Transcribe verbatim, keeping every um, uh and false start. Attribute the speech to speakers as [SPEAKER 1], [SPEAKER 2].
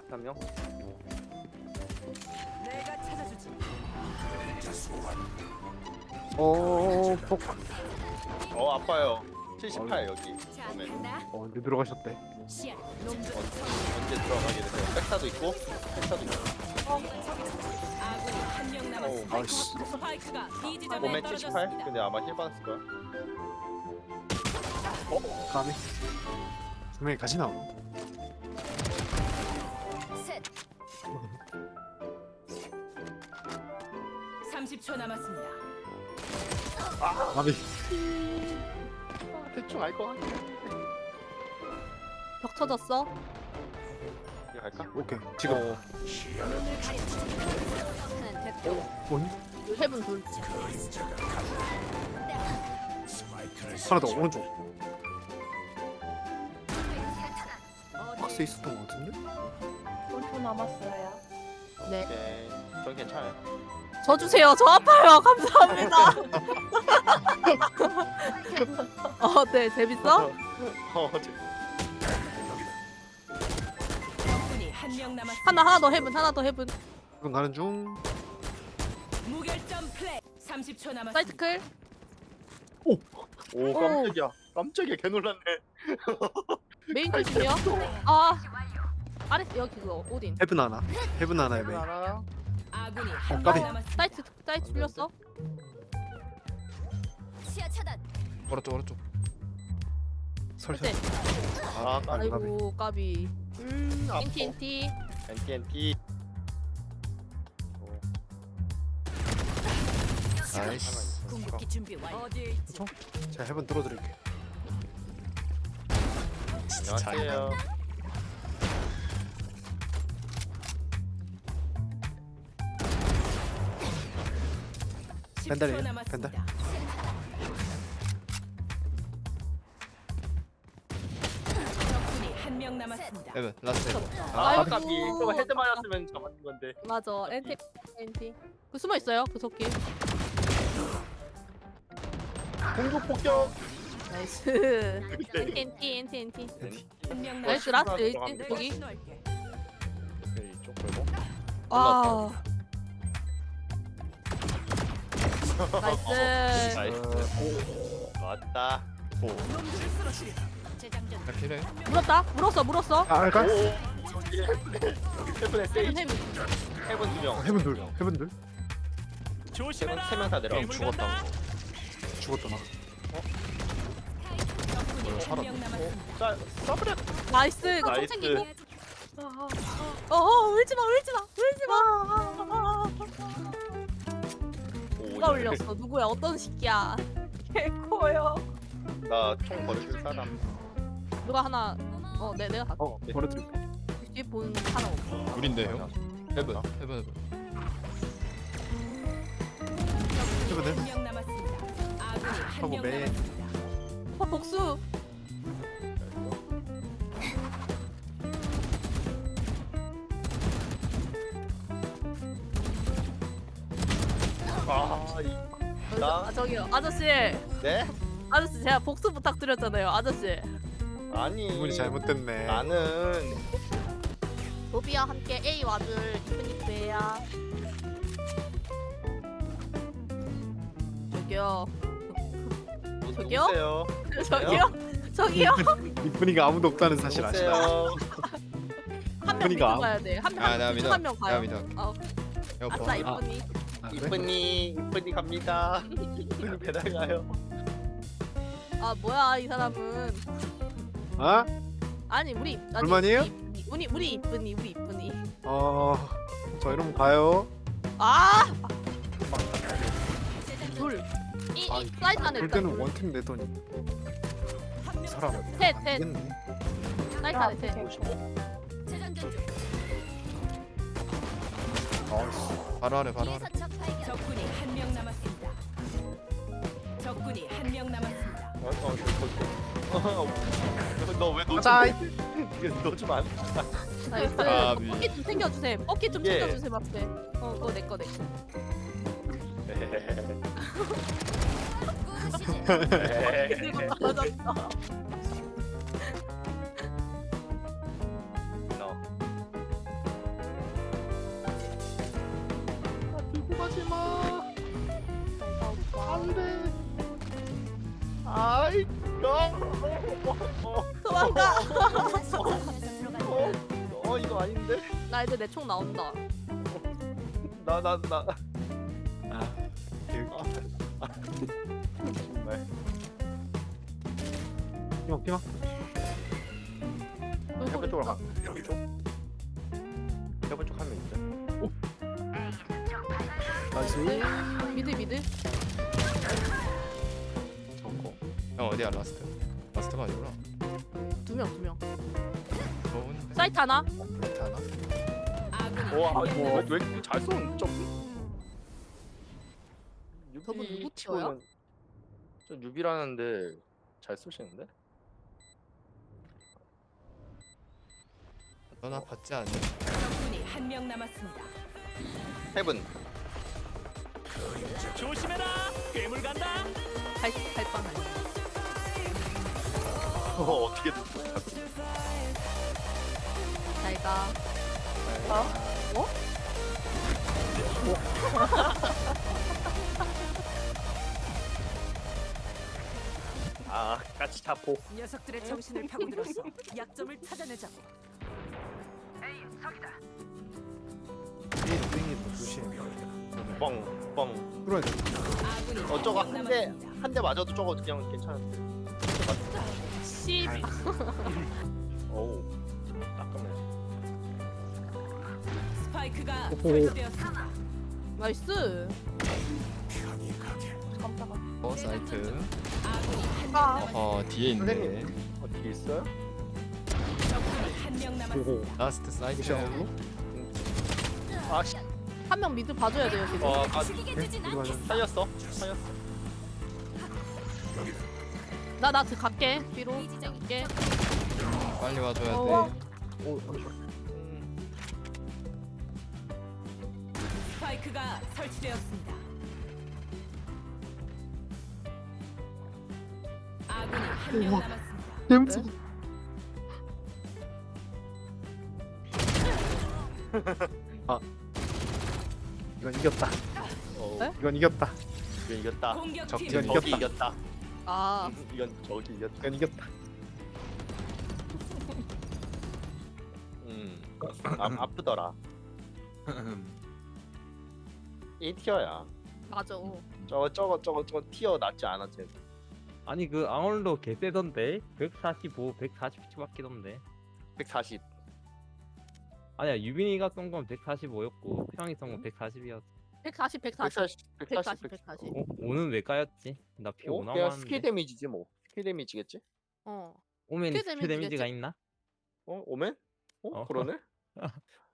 [SPEAKER 1] 한 명.
[SPEAKER 2] 내가 찾아주지.
[SPEAKER 3] 어, 폭.
[SPEAKER 1] 어 아파요. 칠십팔 여기.
[SPEAKER 4] 자,
[SPEAKER 1] 그러면
[SPEAKER 4] 간다.
[SPEAKER 3] 어, 근데 들어가셨대.
[SPEAKER 4] 시야.
[SPEAKER 2] 놈들
[SPEAKER 1] 언제 들어가게 되세요? 백사도 있고, 백사도 있고.
[SPEAKER 2] 아군이 한 명 남았습니다.
[SPEAKER 3] 아이씨.
[SPEAKER 2] 스파이크가 B 지점에
[SPEAKER 1] 몸에 칠십팔.
[SPEAKER 2] 떨어졌습니다.
[SPEAKER 1] 근데 아마 힐 받았을 거야.
[SPEAKER 3] 까비. 분명히 같이 나오네.
[SPEAKER 4] 셋.
[SPEAKER 2] 삼십 초 남았습니다.
[SPEAKER 3] 까비.
[SPEAKER 1] 대충 알 거 같아.
[SPEAKER 5] 벽 터졌어?
[SPEAKER 1] 이거 갈까?
[SPEAKER 3] 오케이. 지금.
[SPEAKER 1] 어,
[SPEAKER 4] 하나 됐고.
[SPEAKER 3] 뭐니?
[SPEAKER 5] 해븐 돌.
[SPEAKER 3] 하나 더 오른쪽. 박스에 있었던 것 같은데?
[SPEAKER 6] 초 남았어요.
[SPEAKER 5] 네.
[SPEAKER 1] 오케이. 전 괜찮아요.
[SPEAKER 5] 저 주세요. 저 아파요. 감사합니다. 어, 네. 재밌어?
[SPEAKER 1] 어, 저-
[SPEAKER 2] 적군이 한 명 남았습니다.
[SPEAKER 5] 하나 하나 더 해븐. 하나 더 해븐.
[SPEAKER 3] 지금 가는 중.
[SPEAKER 2] 무결점 플레이. 삼십 초 남았습니다.
[SPEAKER 5] 사이트 클.
[SPEAKER 1] 오 깜짝이야. 깜짝이야. 개 놀랐네.
[SPEAKER 5] 메인 조심이요. 아. 아래 여기 그거 오딘.
[SPEAKER 3] 헤븐 하나. 헤븐 하나에 메인.
[SPEAKER 1] 하나.
[SPEAKER 2] 아군이 한
[SPEAKER 3] 까비.
[SPEAKER 2] 명 남았습니다.
[SPEAKER 5] 사이트 사이트 풀렸어?
[SPEAKER 4] 시야 차단.
[SPEAKER 3] 오른쪽 오른쪽. 설설.
[SPEAKER 5] 그치?
[SPEAKER 1] 아, 까비.
[SPEAKER 5] 아이고 까비.
[SPEAKER 1] 음, 아파.
[SPEAKER 5] 엔티 엔티.
[SPEAKER 1] 엔티 엔티.
[SPEAKER 3] 나이스.
[SPEAKER 2] 궁극기 준비 완료. 어디에 있지?
[SPEAKER 3] 제가 헤븐 뚫어드릴게.
[SPEAKER 1] 안녕하세요.
[SPEAKER 2] 십 초
[SPEAKER 3] 벤달이에요?
[SPEAKER 2] 남았습니다.
[SPEAKER 3] 벤달.
[SPEAKER 2] 적군이 한 명 남았습니다.
[SPEAKER 7] 에븐 라스트 에븐.
[SPEAKER 1] 아,
[SPEAKER 5] 아이고.
[SPEAKER 1] 까비. 이거 헤드 맞았으면 잡았는 건데.
[SPEAKER 5] 맞아. 엔티 엔티. 그 숨어 있어요. 그 속기.
[SPEAKER 1] 공격 폭격.
[SPEAKER 5] 나이스. 엔티 엔티 엔티 엔티.
[SPEAKER 2] 한 명
[SPEAKER 5] 나이스
[SPEAKER 2] 남았습니다.
[SPEAKER 5] 라스트
[SPEAKER 1] 들어가면
[SPEAKER 5] 일찍
[SPEAKER 1] 돼.
[SPEAKER 5] 거기.
[SPEAKER 2] 신호할게.
[SPEAKER 1] 오케이, 이쪽 걸고.
[SPEAKER 5] 아. 나이스.
[SPEAKER 1] 나이스. 맞다.
[SPEAKER 2] 놈들을 쓰러뜨리다.
[SPEAKER 4] 재장전.
[SPEAKER 7] 필요해.
[SPEAKER 5] 물었다. 물었어. 물었어.
[SPEAKER 3] 아, 알까?
[SPEAKER 1] 오. 헤븐에
[SPEAKER 5] 해븐
[SPEAKER 1] 세이지.
[SPEAKER 5] 해븐.
[SPEAKER 1] 헤븐 두 명.
[SPEAKER 3] 헤븐 둘. 헤븐 둘.
[SPEAKER 1] 헤븐 세명 다 내려.
[SPEAKER 7] 죽었다.
[SPEAKER 3] 죽었다 나.
[SPEAKER 2] 적군이 한 명 남았습니다.
[SPEAKER 1] 자, 서브레.
[SPEAKER 5] 나이스. 이거 총
[SPEAKER 1] 나이스.
[SPEAKER 5] 챙기고. 어, 어, 울지 마. 울지 마. 울지 마. 누가 울렸어? 누구야? 어떤 새끼야?
[SPEAKER 6] 개코요.
[SPEAKER 1] 나총 버려줄 사람.
[SPEAKER 5] 누가 하나 어, 네, 내가 다.
[SPEAKER 3] 어, 버려드릴게.
[SPEAKER 5] 뒤에 본 하나 없어.
[SPEAKER 7] 우린데 형. 헤븐 헤븐 헤븐.
[SPEAKER 3] 헤븐 헤븐.
[SPEAKER 2] 한명 남았습니다. 아군이 한
[SPEAKER 3] 하고
[SPEAKER 2] 명
[SPEAKER 3] 매.
[SPEAKER 2] 남았습니다.
[SPEAKER 5] 어, 복수.
[SPEAKER 1] 아, 이, 나?
[SPEAKER 5] 아, 저기요. 아저씨.
[SPEAKER 1] 네?
[SPEAKER 5] 아저씨 제가 복수 부탁드렸잖아요. 아저씨.
[SPEAKER 1] 아니.
[SPEAKER 3] 기분이 잘못됐네.
[SPEAKER 1] 나는
[SPEAKER 5] 로비와 함께 A 와줄 이프니프예요. 저기요. 저기요?
[SPEAKER 1] 누구세요?
[SPEAKER 5] 저기요. 저기요.
[SPEAKER 3] 이쁜이가 아무도 없다는 사실 아시나요?
[SPEAKER 1] 누구세요?
[SPEAKER 5] 한 명
[SPEAKER 3] 이쁜이가
[SPEAKER 5] 믿고
[SPEAKER 3] 아무-
[SPEAKER 5] 가야 돼. 한 명.
[SPEAKER 7] 아, 나 믿어.
[SPEAKER 5] 한명 가요.
[SPEAKER 7] 내가 믿어.
[SPEAKER 5] 어,
[SPEAKER 7] 형
[SPEAKER 5] 아싸
[SPEAKER 7] 봐.
[SPEAKER 5] 이쁜이.
[SPEAKER 3] 아, 그래?
[SPEAKER 1] 이쁜이 이쁜이 갑니다. 이쁜이 배달 가요.
[SPEAKER 5] 아 뭐야 이 사람은.
[SPEAKER 3] 아?
[SPEAKER 5] 아니 우리 아니,
[SPEAKER 3] 불만이에요?
[SPEAKER 5] 우리, 우리 우리 이쁜이 우리 이쁜이.
[SPEAKER 3] 어, 저 이러면 가요.
[SPEAKER 5] 아. 둘. 이,
[SPEAKER 3] 아,
[SPEAKER 5] 이 사이트 안에
[SPEAKER 3] 볼
[SPEAKER 5] 일단
[SPEAKER 3] 때는
[SPEAKER 5] 둘.
[SPEAKER 3] 원팀 내더니
[SPEAKER 2] 한명
[SPEAKER 3] 사람
[SPEAKER 5] 셋 셋.
[SPEAKER 3] 알겠네.
[SPEAKER 5] 사이트 안에 셋.
[SPEAKER 4] 재장전 중.
[SPEAKER 3] 아이씨.
[SPEAKER 7] 바로 아래 바로 아래.
[SPEAKER 4] 뒤에서 적 발견.
[SPEAKER 2] 적군이 한 명 남았습니다. 적군이 한 명 남았습니다.
[SPEAKER 1] 어, 어, 저, 저, 저. 너왜 너?
[SPEAKER 3] 가자.
[SPEAKER 1] 이거 너좀 안.
[SPEAKER 5] 나이스.
[SPEAKER 7] 아, 미-
[SPEAKER 5] 버킷 좀 챙겨주세요. 버킷 좀
[SPEAKER 1] 예.
[SPEAKER 5] 챙겨주세요 앞에. 어 그거 내거 내 거.
[SPEAKER 4] 구시지.
[SPEAKER 5] 들고 떨어졌어. 도망가.
[SPEAKER 1] 어, 어 이거 아닌데?
[SPEAKER 5] 나 이제 내 총 나온다.
[SPEAKER 1] 나 나 나.
[SPEAKER 3] 아
[SPEAKER 1] 정말.
[SPEAKER 3] 피망 피망.
[SPEAKER 1] 해본 쪽으로 가. 해본 쪽. 해본 쪽 하면 있죠.
[SPEAKER 3] 나이스.
[SPEAKER 5] 미드 미드.
[SPEAKER 7] 저거. 형 어디야 라스트? 라스트가 아니구나.
[SPEAKER 5] 두 명 두 명.
[SPEAKER 7] 좋은데.
[SPEAKER 5] 사이트 하나.
[SPEAKER 7] 괜찮아.
[SPEAKER 2] 아군이
[SPEAKER 1] 와
[SPEAKER 2] 한 명
[SPEAKER 1] 이거
[SPEAKER 2] 남았습니다.
[SPEAKER 1] 왜 이렇게 잘 쏘는 점?
[SPEAKER 5] 저분
[SPEAKER 1] 유비
[SPEAKER 5] 누구 티어야?
[SPEAKER 1] 치고는- 저 유비라는데 잘 쏘시는데?
[SPEAKER 7] 넌 아팠지 않니?
[SPEAKER 2] 적군이 한 명 남았습니다.
[SPEAKER 1] 헤븐.
[SPEAKER 5] 갈 갈빵.
[SPEAKER 1] 어 어떻게 됐어?
[SPEAKER 5] 잘 가.
[SPEAKER 1] 아 같이 잡고.
[SPEAKER 2] 녀석들의 정신을 파고들어서 약점을 찾아내자고.
[SPEAKER 3] 이 링이 조심.
[SPEAKER 1] 뻥 뻥.
[SPEAKER 3] 뚫어야 돼.
[SPEAKER 2] 아군이
[SPEAKER 1] 어 저거
[SPEAKER 2] 한 명
[SPEAKER 1] 한 대
[SPEAKER 2] 남았습니다.
[SPEAKER 1] 한 대 맞아도 저거 그냥 괜찮은데.
[SPEAKER 5] 씨.
[SPEAKER 1] 어우 따끔해.
[SPEAKER 2] 스파이크가
[SPEAKER 3] 오호.
[SPEAKER 2] 설치되었습니다.
[SPEAKER 5] 나이스.
[SPEAKER 6] 깜짝아.
[SPEAKER 7] 어 사이트.
[SPEAKER 2] 아군이 한 명
[SPEAKER 5] 아.
[SPEAKER 2] 남았습니다.
[SPEAKER 7] 어 뒤에 있네.
[SPEAKER 1] 선생님. 어떻게 있어요?
[SPEAKER 2] 적군이 한 명 남았습니다.
[SPEAKER 7] 라스트 사이트.
[SPEAKER 3] 무시하고.
[SPEAKER 1] 아씨.
[SPEAKER 5] 한 명 미드 봐줘야 돼요 지금.
[SPEAKER 1] 어 아,
[SPEAKER 4] 죽이게 되진
[SPEAKER 3] 이거
[SPEAKER 4] 않겠어.
[SPEAKER 1] 살렸어. 살렸어.
[SPEAKER 5] 나나 그 갈게. 뒤로 갈게.
[SPEAKER 7] 빨리 와줘야
[SPEAKER 5] 어.
[SPEAKER 7] 돼.
[SPEAKER 3] 오.
[SPEAKER 1] 음,
[SPEAKER 2] 스파이크가 설치되었습니다. 아군이 한 명
[SPEAKER 3] 우와.
[SPEAKER 2] 남았습니다.
[SPEAKER 3] 냄새. 아. 이건 이겼다.
[SPEAKER 1] 어,
[SPEAKER 5] 네?
[SPEAKER 3] 이건 이겼다.
[SPEAKER 1] 이건 이겼다.
[SPEAKER 2] 공격팀
[SPEAKER 3] 이건
[SPEAKER 1] 저기
[SPEAKER 3] 이겼다.
[SPEAKER 1] 이겼다.
[SPEAKER 5] 아.
[SPEAKER 1] 이건 저기 이겼다.
[SPEAKER 3] 이건 이겼다.
[SPEAKER 1] 음. 아, 아프더라. 이 티어야.
[SPEAKER 5] 맞아.
[SPEAKER 1] 저거 저거 저거 저거 티어 낫지 않아 쟤.
[SPEAKER 8] 아니 그 아울러 개 세던데 백사십오, 백사십칠 바뀌던데.
[SPEAKER 1] 백사십.
[SPEAKER 8] 아니야 유빈이가 쏜 건 백사십오였고 태양이 쏜 건 백사십이었어.
[SPEAKER 5] 백사십 백사십.
[SPEAKER 1] 백사십.
[SPEAKER 5] 백사십
[SPEAKER 1] 백사십.
[SPEAKER 5] 백사십.
[SPEAKER 8] 어? 오는 왜 까였지? 나 피
[SPEAKER 1] 어?
[SPEAKER 8] 오
[SPEAKER 1] 그냥
[SPEAKER 8] 남았는데.
[SPEAKER 1] 스킬 데미지지 뭐. 스킬 데미지겠지?
[SPEAKER 5] 어.
[SPEAKER 8] 오면
[SPEAKER 5] 스킬
[SPEAKER 8] 스킬
[SPEAKER 5] 데미지겠지?
[SPEAKER 8] 데미지가 있나?
[SPEAKER 1] 어? 오멘? 어?
[SPEAKER 8] 어.
[SPEAKER 1] 그러네?